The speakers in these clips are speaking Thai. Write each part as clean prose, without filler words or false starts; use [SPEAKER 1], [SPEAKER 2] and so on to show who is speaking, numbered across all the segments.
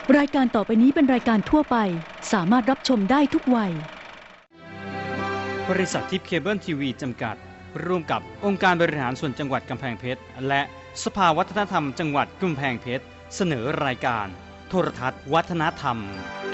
[SPEAKER 1] รายการต่อไปนี้เป็นรายการทั่วไปสามารถรับชมได้ทุกวัย
[SPEAKER 2] บริษัททิพย์เคเบิลทีวีจำกัดร่วมกับองค์การบริหารส่วนจังหวัดกำแพงเพชรและสภาวัฒนธรรมจังหวัดกำแพงเพชรเสนอรายการโทรทัศน์วัฒนธรรม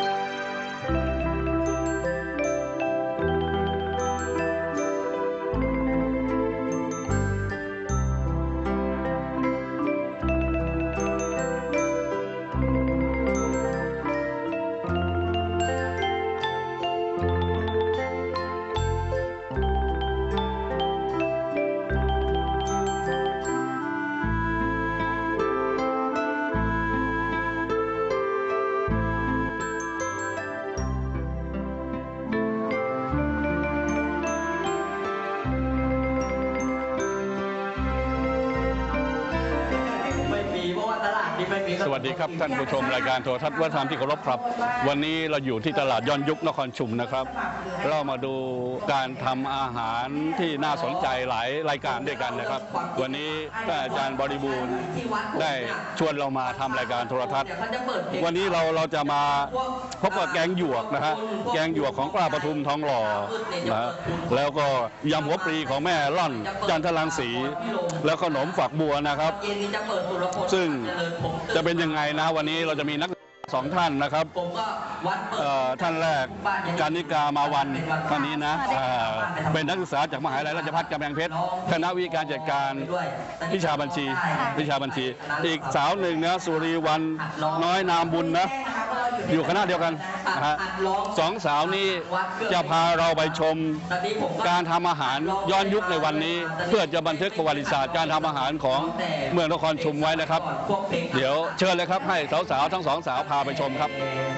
[SPEAKER 3] สวัสดีครับท่านผู้ชมรายการโทรทัศน์วัฒนธรรมที่เคารพครับวันนี้เราอยู่ที่ตลาดย้อนยุคนครชุมนะครับเรามาดูการทำอาหารที่น่าสนใจหลายรายการด้วยกันนะครับวันนี้ท่านอาจารย์บริบูรณ์ได้ชวนเรามาทำรายการโทรทัศน์วันนี้เราจะมาพบกับแกงหยวกนะฮะแกงหยวกของป้าปทุมทองหล่อนะแล้วก็ยำหัวปลีของแม่ล่อนจันทรังสีแล้วขนมฝักบัวนะครับซึ่งจะเป็นยังไงนะวันนี้เราจะมีนักสองท่านนะครับท่านแรกการนิกามาวันท่านนี้นะเป็นนักศึกษาจากมหาวิทยาลัยราชภัฏกำแพงเพชรคณะวิการจัดการวิชาบัญชีอีกสาวหนึ่งนะสุรีวรรณน้อยนามบุญนะอยู่คณะเดียวกันนะฮะสองสาวนี้จะพาเราไปชมการทำอาหารย้อนยุคในวันนี้เพื่อจะบันทึกประวัติศาสตร์การทำอาหารของเมืองนครชุมไว้นะครับเดี๋ยวเชิญเลยครับให้สาวๆทั้งสองสาวพาไปชมครับ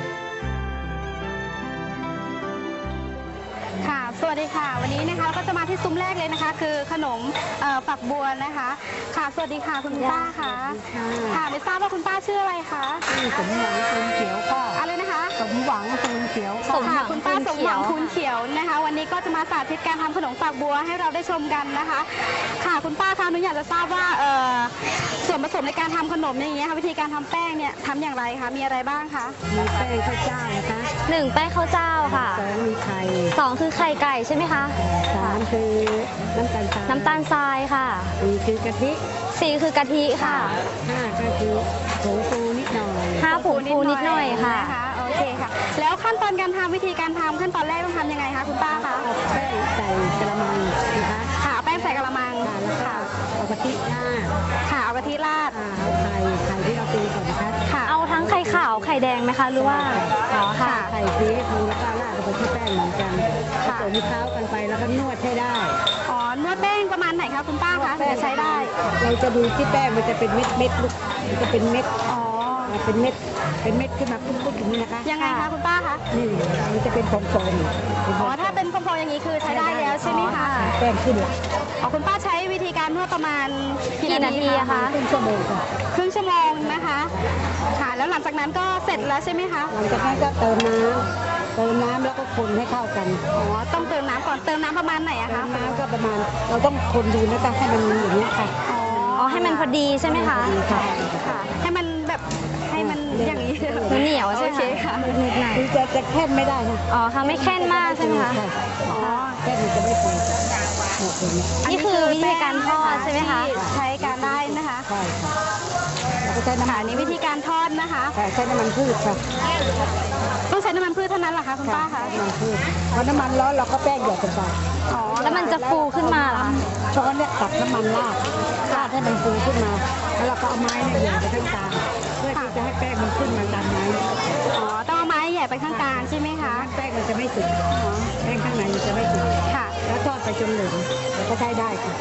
[SPEAKER 4] ค่ะสวัสดีค่ะวันนี้นะคะเราก็จะมาที่ซุ้มแรกเลยนะคะคือขนมฝักบัวนะคะค่ะสวัสดีค่ะคุณป้าค่ะค่ะไม่ทราบว่าคุณป้าชื่ออะไรคะ
[SPEAKER 5] สมหวังคูณเขียวค่ะ
[SPEAKER 4] อะไรนะคะ
[SPEAKER 5] สมหวังคูณเขียว
[SPEAKER 4] ค่ะคุณป้าสมหวังคูณเขียวนะคะวันนี้ก็จะมาสาธิตการทำขนมฝักบัวให้เราได้ชมกันนะคะค่ะคุณป้าคะหนูอยากจะทราบว่าส่วนผสมในการทำขนมอย่างเงี้ยค่ะวิธีการทำแป้งเนี่ยทำอย่างไรคะมีอะไรบ้างคะ
[SPEAKER 5] มีแป้งข้าวเจ้านะคะ
[SPEAKER 6] 1แป้งข้าวเจ้าค่ะ
[SPEAKER 5] 2มีไข่
[SPEAKER 6] 2คือไข่ไก่ใช่ไหมคะ
[SPEAKER 5] 3คือน้ำตาลทราย
[SPEAKER 6] ค่ะ
[SPEAKER 5] 4คือกะทิ
[SPEAKER 6] 4คือกะทิค่ะ
[SPEAKER 5] 5ก็คือผงฟูนิดหน่อย
[SPEAKER 6] 5ผงฟูนิดหน่อยค่ะ
[SPEAKER 4] โอเคค่ะแล้วขั้นตอนการทำวิธีการทำขั้นตอนแรกต้องทำยังไงคะคุณป้าคะ
[SPEAKER 5] แป้งใส่กระมังนะคะ
[SPEAKER 4] ค่ะแป้งใส่กระมัง
[SPEAKER 5] ค่ะเอากะทิราด
[SPEAKER 4] ค่ะเอากะทิราด
[SPEAKER 5] เอาไข่ที่เราตีก่อนนะคะ
[SPEAKER 6] ค่ะเอาทั้งไข่ขาวไข่แดงไหมคะหรือว่า
[SPEAKER 5] อ๋อค่ะไข่ตีให้ฟูแล้วก็ราดลงไปที่แป้งเหมือนกันผสมเคล้ากันไปแล้วก็นวดให้ได้
[SPEAKER 4] อ๋อนวดแป้งประมาณไหนคะคุณป้าคะจะใช้ได้
[SPEAKER 5] เราจะดูที่แป้งมันจะเป็นเม็ดลูกมันจะเป็นเม็ดเป็นเม็ดขึ้นมาปุ๊บๆอย่างนี้นะคะ
[SPEAKER 4] ยังไงคะคุณป้าคะ
[SPEAKER 5] นี่มันจะเป็นฟองๆ
[SPEAKER 4] อ๋อถ้าเป็นฟองๆอย่างนี้คือใช้ได้แล้วใช่ไหมคะ
[SPEAKER 5] แป้งขึ้นละ
[SPEAKER 4] อ๋อคุณป้าใช้วิธีการนวดประมาณกี่นาทีคะ
[SPEAKER 5] ครึ่งชั่วโมงค่ะ
[SPEAKER 4] ครึ่งชั่วโมงนะคะค่ะแล้วหลังจากนั้นก็เสร็จแล้วใช่ไหมคะ
[SPEAKER 5] หลังจากนั้นก็เติมน้ำแล้วก็คนให้เข้ากัน
[SPEAKER 4] อ๋อต้องเติมน้ำก่อนเติมน้ำประมาณไหนอะคะ
[SPEAKER 5] น้ำก็ประมาณเราต้องคนดูนะคะให้มันอย่างนี้ค่ะ
[SPEAKER 6] อ๋อให้มันพอดีใช่ไหมคะ
[SPEAKER 4] ค่ะให้มันแบบให้มันอย่างนี้
[SPEAKER 6] เหนียวใช่ไหม
[SPEAKER 4] คะ
[SPEAKER 5] คือจะแค่นไม่ได้ค่ะ
[SPEAKER 6] อ๋อค่ะไม่แค่นมากใช่ไหมคะ
[SPEAKER 5] อ๋อแค่นจะไม่พอ
[SPEAKER 6] นี่คือวิธีการทอดใช่ไหมคะ
[SPEAKER 4] ใช้การได้นะคะ
[SPEAKER 5] ใช่แล้วก็ใช้น้ำมัน
[SPEAKER 4] นี่วิธีการทอดนะคะ
[SPEAKER 5] ใช้น้ำมันพืชค่ะ
[SPEAKER 4] ต้องใช้น้ำมันพืชเท่านั้นเหรอคะคุณป้าคะ
[SPEAKER 5] น้ำมันพืชพอน้ำมันร้อนเราก็แป้งหยดลงไป
[SPEAKER 6] อ๋อแล้วมันจะฟูขึ้นมาเหรอ
[SPEAKER 5] ช้อนเนี่ยตักน้ำมันราดให้มันฟูขึ้นมาแล้วเราก็เอาไม้เนี่ยหย่ไปข้างกลางเพื่อที่จะให้แป้งมันขึ้นมาตามไม้
[SPEAKER 4] อ๋อต้องเอาไม้ใหญ่ไปข้างกลางใช่ไหมคะ
[SPEAKER 5] แป้งมันจะไม่สุกแป้งข้างในมันจะไม่สุก
[SPEAKER 4] ค่ะ
[SPEAKER 5] แล้วทอดไปจนเหลืองแล้วก็ใช้ได้ค่ะ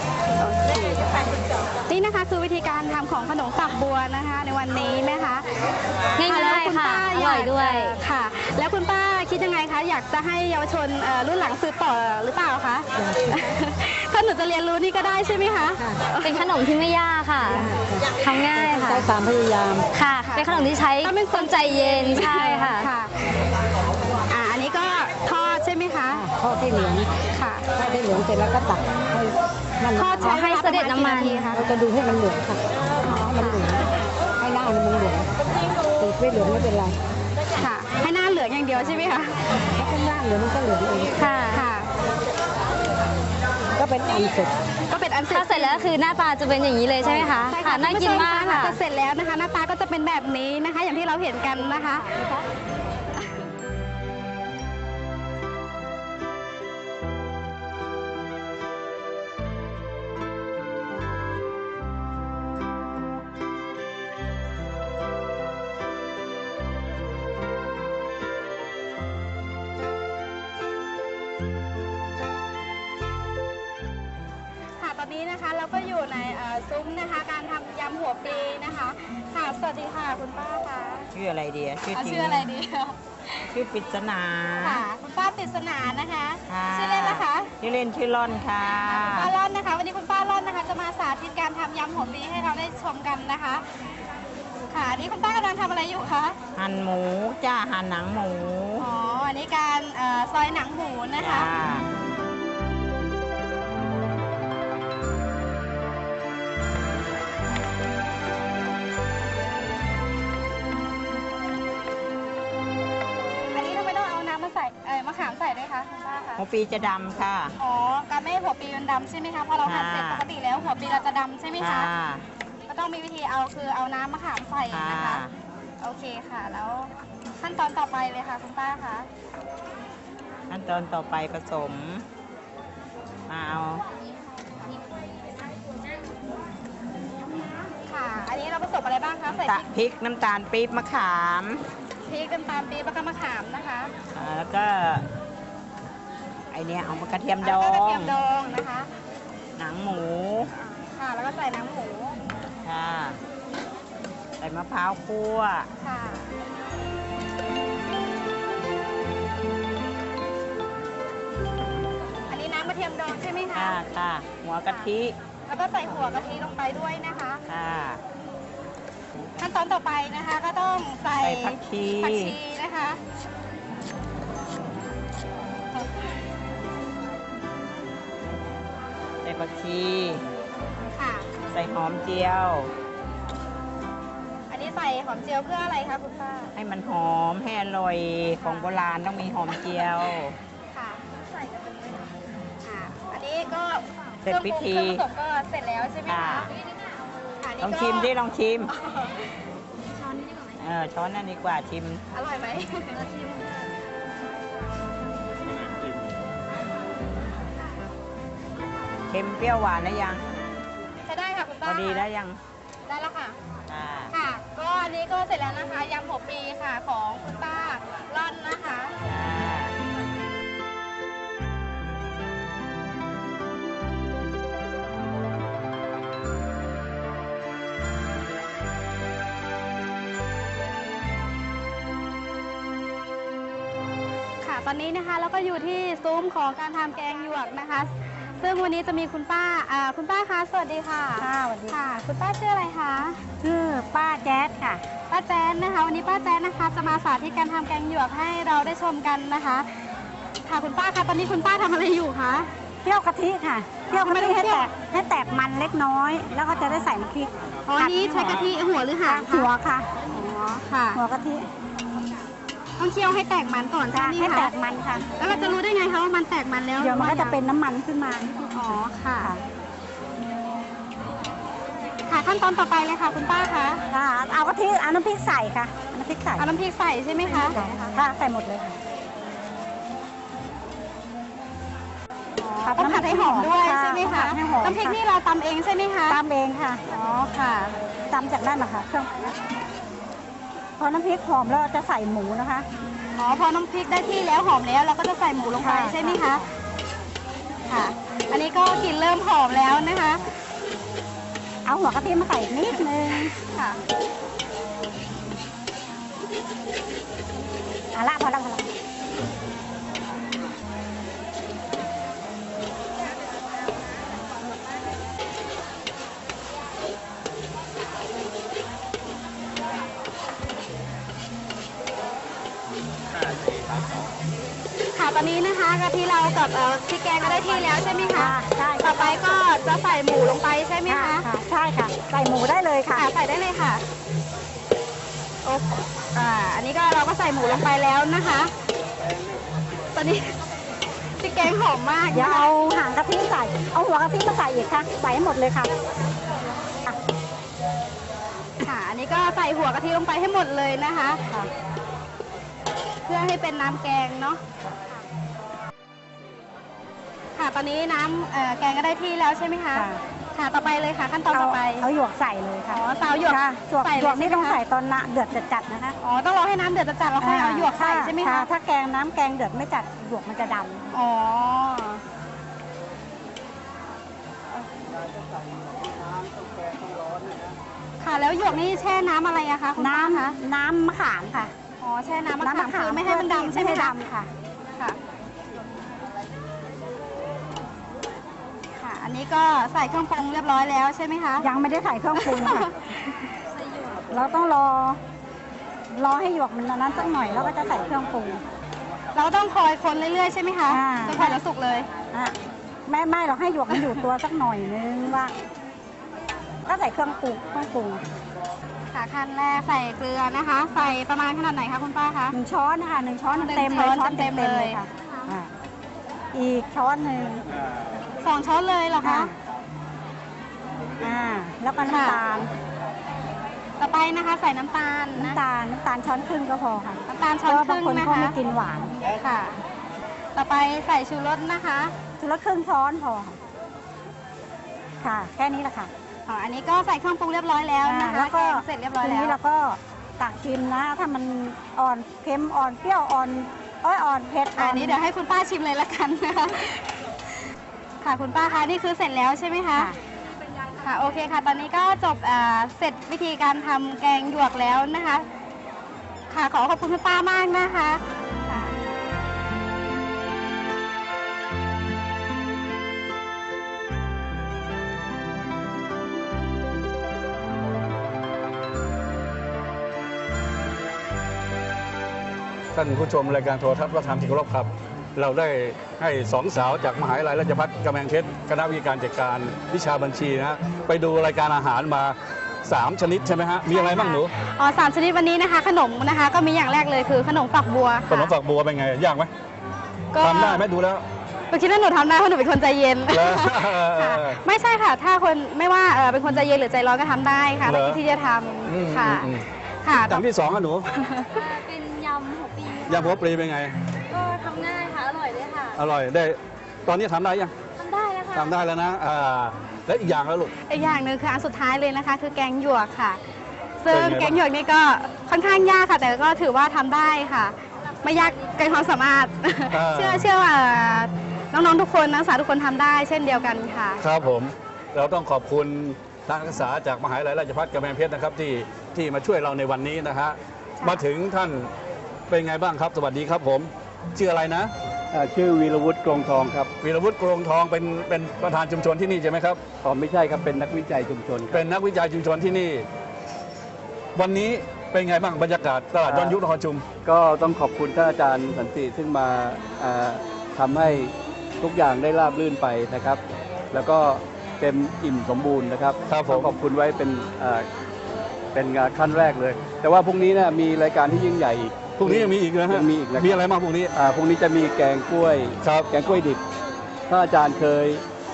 [SPEAKER 4] นี่นะคะคือวิธีการทำของขนมฝักบัวนะคะในวันนี้นะคะ
[SPEAKER 6] ง่ายๆค่ะอร่อยด้วย
[SPEAKER 4] ค่ะแล้วคุณป้าคิดยังไงคะอยากจะให้เยาวชนรุ่นหลังสืบต่อหรือเปล่าคะถ้าหนูจะเรียนรู้นี่ก็ได้ใช่ไหมคะ
[SPEAKER 6] เป็นขนมที่ไม่ยากค่ะทำง่ายค่ะ
[SPEAKER 5] ใช้ความพยายาม
[SPEAKER 6] ค่ะเป็นขนมที่ใช้คนใจเย็นใช่ค่ะ
[SPEAKER 4] อันนี้ก็ทอดใช่ไหมคะ
[SPEAKER 5] ทอดให้เหลือง
[SPEAKER 4] ค่ะ
[SPEAKER 5] ทอดให้เหลืองเสร็จแล้วก็ตักให้มัน
[SPEAKER 4] ทอดใช้
[SPEAKER 6] ให้เสด็จน้ำมัน
[SPEAKER 5] เราจะดูให้มันเหลืองค่ะให้มันเหลืองให้หน้ามันเหลืองติดไว้เหลืองไม่เป็นไร
[SPEAKER 4] ค่ะ ให้หน้าเหลืองอย่างเดียวใช่ไหมคะ
[SPEAKER 5] ถ้าข้างล่างเหลืองมันก็เหลืองเอง
[SPEAKER 6] ค่ะ
[SPEAKER 4] ค่ะ
[SPEAKER 5] ก็เป็นอันเสร็จ
[SPEAKER 4] ก็เป็นอันเสร็จ
[SPEAKER 6] ถ้าเสร็จแล้วคือหน้าตาจะเป็นอย่างนี้เลยใช่ไหมคะ
[SPEAKER 4] ใช่
[SPEAKER 6] ค่ะ น่ากินมาก
[SPEAKER 4] หลัง
[SPEAKER 6] ค่ะ
[SPEAKER 4] จากเสร็จแล้วนะคะ หน้าตาก็จะเป็นแบบนี้นะคะ อย่างที่เราเห็นกันนะคะ ค่ะตอนนี้นะคะเราก็อยู่ในซุ้มนะคะ การทำยำหัวปลีนะคะค่ะสวัสดีค่ะคุณป้าค่ะ
[SPEAKER 7] ชื่ออะไรดีอะชื่อ
[SPEAKER 4] เอา
[SPEAKER 7] จริง
[SPEAKER 4] ชื่ออะไรดี
[SPEAKER 7] ชื่อปริศนา
[SPEAKER 4] ค่ะคุณป้าปริศนานะคะ
[SPEAKER 7] ค่ะ
[SPEAKER 4] ชื่อเล่นนะคะ
[SPEAKER 7] ชื่อเล่นชื่อล่อนค่ะ
[SPEAKER 4] ป้าล่อนนะคะ วันนี้คุณป้าล่อนนะคะ จะมาสาธิตการทำยำหัวปลีให้เราได้ชมกันนะคะ ค่ะอันนี่คุณป้ากำลังทำอะไรอยู่คะ
[SPEAKER 7] หั่นหมูจ้าหั่นหนังหมู
[SPEAKER 4] อ๋ออันนี้การซอยหนังหมูนะคะ
[SPEAKER 7] จ้า
[SPEAKER 4] อันนี้ทำไมต้องเอาน้ำมาใส่มะขามใส่ด้วยคะคุณป้าคะ
[SPEAKER 7] หัวปีจะดำค่ะ
[SPEAKER 4] อ๋อการไม่ให้หัวปลีมันดำใช่ไหมคะพอเราหั่นเสร็จปกติแล้วหัวปลีเราจะดำใช่ไหม
[SPEAKER 7] ค่ะ
[SPEAKER 4] คะ ก็ต้องมีวิธีเอาคือเอาน้ำมะขามใส่นะคะ
[SPEAKER 7] ค่ะ
[SPEAKER 4] โอเคค่ะ แล้วขั้นตอนต่อไปเลยค่ะคุณป้าคะ
[SPEAKER 7] ขั้นตอนต่อไปผสมมาเอา
[SPEAKER 4] ค่ะ อันนี้เราผสมอะไรบ้างคะใส่
[SPEAKER 7] พริกน้ำตาลปี๊บมะขาม
[SPEAKER 4] พริกน้ำตาลปี๊บแล้วก็มะขามนะคะ
[SPEAKER 7] แล้วก็ไอเนี้ยเอามากระเทียมดอ
[SPEAKER 4] แล้วก็กระ
[SPEAKER 7] ง
[SPEAKER 4] เทียมดองนะคะ
[SPEAKER 7] หนังหมู
[SPEAKER 4] ค่ะ แล้วก็ใส่น้ำหมู
[SPEAKER 7] ค่ะใส่มะพร้าวคั่ว
[SPEAKER 4] ค่ะ อันนี้น้ำกระเทียมดองใช่ไหมคะ
[SPEAKER 7] ค่ะค่ะหัวกะทิ
[SPEAKER 4] แล้วก็ใส่หัวกะทิลงไปด้วยนะคะ
[SPEAKER 7] ค่ะ
[SPEAKER 4] ขั้นตอนต่อไปนะคะก็ต้องใส่
[SPEAKER 7] ใส่ผักชี
[SPEAKER 4] นะคะ
[SPEAKER 7] ใส่ผักชี
[SPEAKER 4] ค่ะ
[SPEAKER 7] ใส่หอมเจียว
[SPEAKER 4] อันนี้ใส่หอมเจียวเพื่ออะไรคะคุณป้า
[SPEAKER 7] ให้มันหอมให้อร่อยของโบราณต้องมีหอมเจียว
[SPEAKER 4] ค่ะใส่กันเลยค่ะ อันนี้ก็
[SPEAKER 7] เสร็จพิธี
[SPEAKER 4] เครื่องผสมก็เสร็จแล้วใช่ไหมคะ
[SPEAKER 7] ค่ะ
[SPEAKER 4] ค่ะนี่
[SPEAKER 7] ลอง
[SPEAKER 4] ก็
[SPEAKER 7] ชิมดิลองชิม
[SPEAKER 4] ช้อนนี้ดีกว่าไหม
[SPEAKER 7] ช้อนนั่นดีกว่าชิม
[SPEAKER 4] อร่อยไหม
[SPEAKER 7] เค็มเปรี้ยวหวานนะยัง
[SPEAKER 4] ใช้ได้ค่ะคุณ
[SPEAKER 7] พ
[SPEAKER 4] ป้า
[SPEAKER 7] อดีได้ยัง
[SPEAKER 4] ได้แล้วค่ะ
[SPEAKER 7] ค่ะ
[SPEAKER 4] ค่ะ ก็อันนี้ก็เสร็จแล้วนะคะยำหัวปลีค่ะของคุณป้าร่อนนะคะ
[SPEAKER 7] ค่ะ
[SPEAKER 4] ค่ะ ตอนนี้นะคะเราก็อยู่ที่ซุ้มของการทำแกงหยวกนะคะ ซึ่งวันนี้จะมีคุณป้าคุณป้าคะสวัสดีค่ะ
[SPEAKER 5] ค่ะสวัสดี
[SPEAKER 4] ค่ะ คุณป้าชื่ออะไรคะ
[SPEAKER 5] ชื่อป้าแจ๊ดค่ะ
[SPEAKER 4] ป้าแจ๊นนะคะ วันนี้ป้าแจ๊นนะคะ จะมาสาธิตการทำแกงหยวกให้เราได้ชมกันนะคะ ค่ะคุณป้าคะตอนนี้คุณป้าทำอะไรอยู่คะ
[SPEAKER 5] เคี่ยวกะทิค่ะเคี่ยวกะทิ
[SPEAKER 4] ทำไมต้อง
[SPEAKER 5] ให้
[SPEAKER 4] เคี่
[SPEAKER 5] แต
[SPEAKER 4] ยว
[SPEAKER 5] กให้แตกมันเล็กน้อย แล้วก็จะได้ใส่น้ำพริก
[SPEAKER 4] อ๋อนี่ใช้กะทิหัวหรือหางคะ
[SPEAKER 5] หัวค่ะ
[SPEAKER 4] อ๋อค่ะ
[SPEAKER 5] หัวกะทิ
[SPEAKER 4] ต้องเคี่ยวให้แตกมันก่อนใช่ไหม
[SPEAKER 5] ให้
[SPEAKER 4] คะ
[SPEAKER 5] แตกมันค่ะ
[SPEAKER 4] แล้วเราจะรู้ได้ไงคะว่ามันแตกมันแล้ว
[SPEAKER 5] เดี๋ยวมันก็
[SPEAKER 4] หรือ
[SPEAKER 5] จะ
[SPEAKER 4] ว่า
[SPEAKER 5] เป็นน้ำมันขึ้นมา
[SPEAKER 4] อ๋อค่ะ ค่ะขั้นตอนต่อไปเลยค่ะ คุณป้าคะ
[SPEAKER 5] ค่ะเอากะทิเอาน้ำพริกใส่ค่ะเอาน้ำพริกใส่
[SPEAKER 4] เอาน้ำพริกใส่ใช่ไหมคะ
[SPEAKER 5] ค่ะใส่หมดเลยค่ะ
[SPEAKER 4] ต้องผัดให้หอมด้วย
[SPEAKER 5] ค่ะ
[SPEAKER 4] ใช่ไหมคะ
[SPEAKER 5] ผัดให้หอม
[SPEAKER 4] น้ำพริกนี่เราตำเองใช่ไหมคะ
[SPEAKER 5] ตำเองค่ะ
[SPEAKER 4] อ๋อค่ะ
[SPEAKER 5] ตำจากนั่นนะคะเครื่องพอน้ำพริกหอมแล้วเราจะใส่หมูนะคะ
[SPEAKER 4] อ๋อพอน้ำพริกได้ที่แล้วหอมแล้วเราก็จะใส่หมูลงไป
[SPEAKER 5] ค่ะ
[SPEAKER 4] ใช่ไหมคะ ค่ะ อันนี้ก็กลิ่นเริ่มหอมแล้วนะคะ
[SPEAKER 5] เอาหัวกะทิมาใส่อีกนิดนึง
[SPEAKER 4] ค่ะ
[SPEAKER 5] เอาละพอละพอละ
[SPEAKER 4] ค่ะตอนนี้นะคะกะทิเรากับพริกแกงก็ได้ที่แล้วใช่ไหมคะ
[SPEAKER 5] ใช่
[SPEAKER 4] ต่อไปก็จะใส่หมูลงไปใช่ไหม
[SPEAKER 5] ค่ะ
[SPEAKER 4] คะ
[SPEAKER 5] ค่ะใช่ค่ะ ใส่หมูได้เลยค่ะ
[SPEAKER 4] ค่ะใส่ได้เลยค่ะโอ้อันนี้ก็เราก็ใส่หมูลงไปแล้วนะคะ ตอนนี้พริกแกงหอมมาก
[SPEAKER 5] เดี๋ยวเอาหางกะทิใส่ เอาหัวกะทิมาใส่อีกค่ะ ใส่ให้หมดเลยค่ะ
[SPEAKER 4] ค่ะ อันนี้ก็ใส่หัวกะทิลงไปให้หมดเลยนะคะ เพื่อให้เป็นน้ำแกงเนาะ ค่ะ ตอนนี้น้ำแกงก็ได้ที่แล้วใช่ไหมคะ
[SPEAKER 5] ค่ะ
[SPEAKER 4] ค่ะ ต่อไปเลยค่ะ ขั้นตอนต่อไป
[SPEAKER 5] เอาหยวกใส่เลยค่ะ
[SPEAKER 4] อ๋อเตาหยวก
[SPEAKER 5] ค่ะหยวก
[SPEAKER 4] ใส่
[SPEAKER 5] หยวกนี่
[SPEAKER 4] เลย
[SPEAKER 5] ต้อง
[SPEAKER 4] ใช่ไหมคะ
[SPEAKER 5] ใส่ตอนเดือดจัดๆนะคะ
[SPEAKER 4] อ๋อ ต้องรอให้น้ำเดือดจัดๆแล้วค่อยเอาหยวกใส่ใช่ไหมคะ
[SPEAKER 5] ถ้าแกงน้ำแกงเดือดไม่จัดหยวกมันจะด
[SPEAKER 4] อ๋อ ค่ะ แล้วหยวกนี่แช่น้ำอะไรอะคะคุณ
[SPEAKER 5] ำ
[SPEAKER 4] ป้าคะ
[SPEAKER 5] น้ำมะขามค่ะ
[SPEAKER 4] อ๋อ แช่น้ำมะขามคือไม่ให้มันดำใช่ไหม
[SPEAKER 5] ไม่
[SPEAKER 4] คะ
[SPEAKER 5] ดำค่ะ
[SPEAKER 4] ค่ะ ค่ะ อันนี้ก็ใส่เครื่องปรุงเรียบร้อยแล้วใช่ไหมคะ
[SPEAKER 5] ยังไม่ได้ใส่เครื่องปรุงค่ะ เราต้องรอให้หยวกมันนั้นสักหน่อยแล้วก็จะใส่เครื่องปรุง
[SPEAKER 4] เราต้องคอยคนเรื่อยๆใช่ไหมคะ
[SPEAKER 5] อ่า
[SPEAKER 4] จนกว่าจะสุกเลย
[SPEAKER 5] อ่ะไม่เราให้หยวกมันอยู่ตัวสักหน่อยนึงว่า ก็ใส่เครื่องปรุง
[SPEAKER 4] ค่ะขั้นแรกใส่เกลือนะคะ ใส่ประมาณขนาดไหนคะคุณป้าคะ
[SPEAKER 5] 1 ช้อนนะคะ1 ช้อน
[SPEAKER 4] หนึ่ง
[SPEAKER 5] เต็มเลย
[SPEAKER 4] ช้
[SPEAKER 5] ช้
[SPEAKER 4] อ
[SPEAKER 5] อน น
[SPEAKER 4] เต็
[SPEAKER 5] เต็
[SPEAKER 4] ม
[SPEAKER 5] ม
[SPEAKER 4] ๆ
[SPEAKER 5] เล
[SPEAKER 4] เลย
[SPEAKER 5] ยค่ะอ่ะอีกช้อนหนึ่ง
[SPEAKER 4] 2 ช้อนเลยเหรอคะ
[SPEAKER 5] แล้วก็น้ำตาล
[SPEAKER 4] ต่อไปนะคะใส่น้ำตาลนะ
[SPEAKER 5] น้ำตาลช้อนครึ่งก็พอค่ะ
[SPEAKER 4] น้ำตาล
[SPEAKER 5] เพ
[SPEAKER 4] ช้อน
[SPEAKER 5] ราะว่า
[SPEAKER 4] ค
[SPEAKER 5] บาง
[SPEAKER 4] รึ่ง
[SPEAKER 5] คน
[SPEAKER 4] นะ
[SPEAKER 5] เขา
[SPEAKER 4] คะ
[SPEAKER 5] ไม่กินหวาน
[SPEAKER 4] ค่ะ ต่อไปใส่ชูรสนะคะ
[SPEAKER 5] ชุดละครึ่งช้อนพอค่ะค่ะ แค่นี้แหละค่ะ
[SPEAKER 4] อ๋ออันนี้ก็ใส่เครื่องปรุงเรียบร้อยแล้วนะคะ
[SPEAKER 5] แล้วก็
[SPEAKER 4] แงเสร็จเรียบร้อย
[SPEAKER 5] ที
[SPEAKER 4] แล้
[SPEAKER 5] นี้
[SPEAKER 4] ว
[SPEAKER 5] เราก็ตักชิมนะ ถ้ามันอ่อนเค็มอ่อนเปรี้ยวอ่อนเผ็ด
[SPEAKER 4] อันนี้เดี๋ยวให้คุณป้าชิมเลยละกันนะคะค่ะคุณป้าคะนี่คือเสร็จแล้วใช่ไหมคะ ค่ะโอเคค่ะ ตอนนี้ก็จบเสร็จวิธีการทำแกงหยวกแล้วนะคะ ค่ะขอขอบคุณคุณป้ามากนะคะค่ะ
[SPEAKER 3] ท่านผู้ชมรายการโทรทัศน์วัฒนธรรมที่เคารพครับ เราได้ให้สองสาวจากมหาวิทยาลัยราชภัฏกำแพงเพชรคณะวิทยาการจัดการวิชาบัญชีนะฮะไปดูรายการอาหารมา3 ชนิดใช่ไหมฮะมีอะไรบ้างหนู
[SPEAKER 4] อ๋อ3 ชนิดวันนี้นะคะ ขนมนะคะ ก็มีอย่างแรกเลยคือขนมฝักบัว
[SPEAKER 3] ขนมฝักบัวเป็นไงยากไหม
[SPEAKER 4] ก็
[SPEAKER 3] ทำได้ไหมดูแล้ว
[SPEAKER 4] หนูคิดว่าหนูทำได้เพราะหนูเป็นคนใจเย็น
[SPEAKER 3] แล้ว
[SPEAKER 4] ค่ะไม่ใช่ค่ะ ถ้าคนไม่ว่าเป็นคนใจเย็นหรือใจร้อนก็ทำได้ค่ะ
[SPEAKER 3] เหรอ
[SPEAKER 4] ที่จะท
[SPEAKER 3] อืม
[SPEAKER 4] ำค่ะ
[SPEAKER 3] อืม
[SPEAKER 4] ค่ะ
[SPEAKER 3] อย่างที่สองอะหนู
[SPEAKER 6] เป็นยำหัวปี
[SPEAKER 3] ยำหัวปลีเป็นไง
[SPEAKER 6] ก็ทำง่ายค่ะ อร่อยด้วยค่ะ
[SPEAKER 3] อร่อยได้ตอนนี้ทำได้ยัง
[SPEAKER 6] ทำได้แล้วค่ะ
[SPEAKER 3] ทำได้แล้วนะแล้วอีกอย่างแล้วลูก
[SPEAKER 4] อีกอย่างหนึ่งคืออันสุดท้ายเลยนะคะ คือแกงหยวกค่ะ ซึ่ง
[SPEAKER 3] เป็นไงบ้าง
[SPEAKER 4] แกงหยวกนี่ก็ค่อนข้างยากค่ะ แต่ก็ถือว่าทำได้ค่ะ ไม่ยากเกินความสามารถ เชื่อว่าน้องๆทุกคนนักศึกษาทุกคนทำได้เช่นเดียวกันค่ะ
[SPEAKER 3] ครับผมเราต้องขอบคุณทางนักศึกษาจากมหาวิทยาลัยราชภัฏกำแพงเพชรนะครับที่มาช่วยเราในวันนี้นะฮะมาถึงท่านเป็นไงบ้างครับ สวัสดีครับผมชื่ออะไรนะ
[SPEAKER 8] ชื่อวีรวุฒิกรงทองครับ
[SPEAKER 3] วีรวุฒิกรงทองเป็นประธานชุมชนที่นี่ใช่ไหมครับ
[SPEAKER 8] อ๋อไม่ใช่ครับ เป็นนักวิจัยชุมชนครับ
[SPEAKER 3] เป็นนักวิจัยชุมชนที่นี่ วันนี้เป็นไงบ้างบรรยากาศตลาดย้อนยุคนครชุม
[SPEAKER 8] ก็ต้องขอบคุณท่านอาจารย์สันติซึ่งมาทำให้ทุกอย่างได้ราบรื่นไปนะครับ แล้วก็เต็มอิ่มสมบูรณ์นะครับ
[SPEAKER 3] ครับผม
[SPEAKER 8] ต้องขอบคุณไว้เป็นขั้นแรกเลย แต่ว่าพรุ่งนี้นะมีรายการที่ยิ่งใหญ่อีก
[SPEAKER 3] พรุ่งนี้ยังมีอีกนะฮะ
[SPEAKER 8] ยังมีอีกนะครับ
[SPEAKER 3] มีอะไรบ้างพรุ่งนี้
[SPEAKER 8] พรุ่งนี้จะมีแกงกล้วย
[SPEAKER 3] ครับ
[SPEAKER 8] แกงกล้วยดิบท่านอาจารย์เคย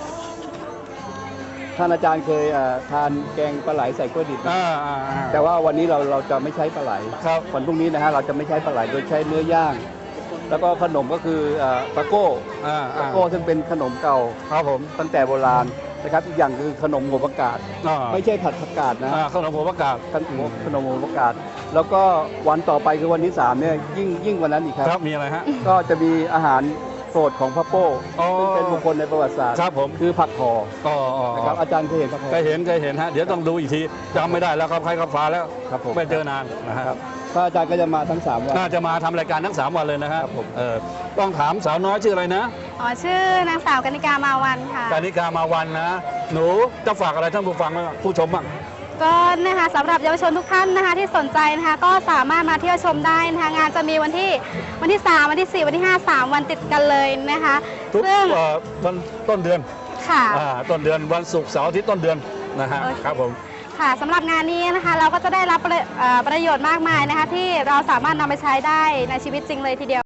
[SPEAKER 8] ทานแกงปลาไหลใส่กล้วยดิบไหม แต่ว่าวันนี้เราจะไม่ใช้ปลาไหล
[SPEAKER 3] ครับ
[SPEAKER 8] วันพรุ่งนี้นะฮะเราจะไม่ใช้ปลาไหลโดยใช้เนื้อย่าง แล้วก็ขนมก็คือตะโก้ ตะโก้ซึ่งเป็นขนมเก่า
[SPEAKER 3] ครับผม
[SPEAKER 8] ตั้งแต่โบราณนะครับอีกอย่างคือขนมหัวประกาศ ไม่ใช่ผัดผักกาดนะ
[SPEAKER 3] ขนมหัวประกาศ
[SPEAKER 8] ขนมหัวประกาศ แล้วก็วันต่อไปคือวันที่3เนี่ยยิ่งกว่านั้นอีกค
[SPEAKER 3] ครั
[SPEAKER 8] รั
[SPEAKER 3] บบ มีอะไรฮะ
[SPEAKER 8] ก็จะมีอาหารโปรดของพระโป้
[SPEAKER 3] อ๋อ
[SPEAKER 8] ซึ่งเป็นบุคคลในประวัติศาสตร์
[SPEAKER 3] ครับผม
[SPEAKER 8] คือผักห่อ
[SPEAKER 3] อ๋อ
[SPEAKER 8] นะครับอาจารย์เคยเห็นผักห่อ
[SPEAKER 3] เคยเห็นฮะเดี๋ยวต้องดูอีกทีจำไม่ได้แล้วครับใครครับฟ้าแล้ว
[SPEAKER 8] ครับผม
[SPEAKER 3] ไม่เจอนานนะฮะ
[SPEAKER 8] ครับพระอาจารย์ก็จะมาทั้ง3วัน
[SPEAKER 3] น่าจะมาทำรายการทั้ง3 วันเลยนะฮะ
[SPEAKER 8] ครับผม
[SPEAKER 3] ต้องถามสาวน้อยชื่ออะไรนะ
[SPEAKER 4] อ๋อชื่อนางสาวกนิกามาวันค่ะ
[SPEAKER 3] กานิกามาวันนะ หนูจะฝากอะไรท่านผู้ฟังบ้างผู้ชมบ้าง
[SPEAKER 4] ก็นะคะสำหรับเยาวชนทุกท่านนะคะที่สนใจนะคะก็สามารถมาเที่ยวชมได้นะคะงานจะมีวันที่3วันที่4วันที่5 3วันติดกันเลยนะคะ
[SPEAKER 3] ทุก
[SPEAKER 4] ซึ่ง
[SPEAKER 3] วันต้นเดือน
[SPEAKER 4] ค่ะ
[SPEAKER 3] ต้นเดือนวันศุกร์เสาร์อาทิตย์ต้นเดือนนะฮะ
[SPEAKER 4] โอเค
[SPEAKER 3] ครับผม
[SPEAKER 4] ค่ะสำหรับงานนี้นะคะเราก็จะได้รับประโยชน์มากมายนะคะที่เราสามารถนำไปใช้ได้ในชีวิตจริงเลยทีเดียว